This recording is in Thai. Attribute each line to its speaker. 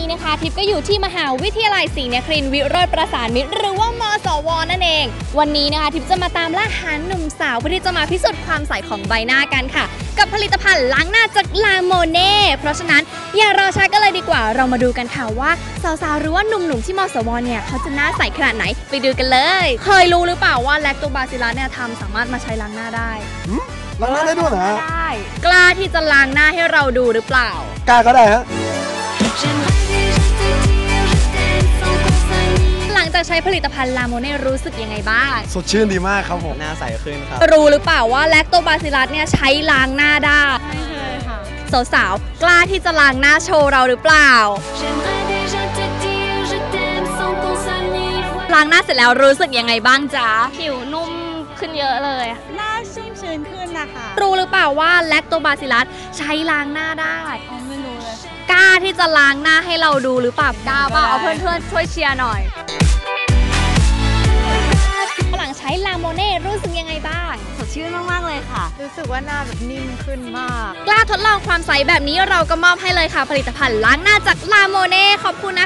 Speaker 1: นะคะทิพย์ก็อยู่ที่มหาวิทยาลัยศรีนครินทร์วิโรจน์ประสานมิตรหรือว่ามสวนั่นเองวันนี้นะคะทิพย์จะมาตามล่าหาหนุ่มสาวเพื่อที่จะมาพิสูจน์ความใสของใบหน้ากันค่ะกับผลิตภัณฑ์ล้างหน้าจากลาโมเน่เพราะฉะนั้นอย่ารอช้ากันเลยดีกว่าเรามาดูกันค่ะว่าสาวๆหรือว่าหนุ่มๆที่มสวเนี่ยเขาจะหน้าใสขนาดไหนไปดูกันเลยเคยรู้หรือเปล่าว่าแลคโตบาซิลลัสเนี่ยสามารถมาใช้ล้างหน้าได้
Speaker 2: ล้างหน้าได้ด้วยเหรอฮะ
Speaker 1: กล้าที่จะล้างหน้าให้เราดูหรือเปล่าก
Speaker 2: ล้าก็ได้ฮะ
Speaker 1: หลังจากใช้ผลิตภัณฑ์ลาโมเน่รู้สึกยังไงบ้าง
Speaker 2: สดชื่นดีมากครับผมหน้าใสขึ้นครับ
Speaker 1: รู้หรือเปล่าว่าแลคโตบาซิลลัสเนี่ยใช้ล้างหน้าได้
Speaker 3: ไม่เคยค่ะ
Speaker 1: สาวๆกล้าที่จะล้างหน้าโชว์เราหรือเปล่าล้างหน้าเสร็จแล้วรู้สึกยังไงบ้างจ๊ะ
Speaker 3: ผิวนุ่มขึ้นเยอะเลย
Speaker 4: หน้าชุ่มชื้นขึ้นนะคะ
Speaker 1: รู้หรือเปล่าว่าแลคโตบาซิลลัสใช้ล้างหน้าได้
Speaker 4: ไม่รู้เลย
Speaker 1: กล้าที่จะล้างหน้าให้เราดูหรือเปล่ากล้าป่ะเอาเพื่อนๆช่วยเชียร์หน่อยหลังใช้ลาโมเน่รู้สึกยังไงบ้าง
Speaker 4: สดชื่นมากๆเลยค่ะรู้สึกว่าหน้าแบบนิ่มขึ้นมาก
Speaker 1: กล้าทดลองความใสแบบนี้เราก็มอบให้เลยค่ะผลิตภัณฑ์ล้างหน้าจากลาโมเน่ขอบคุณ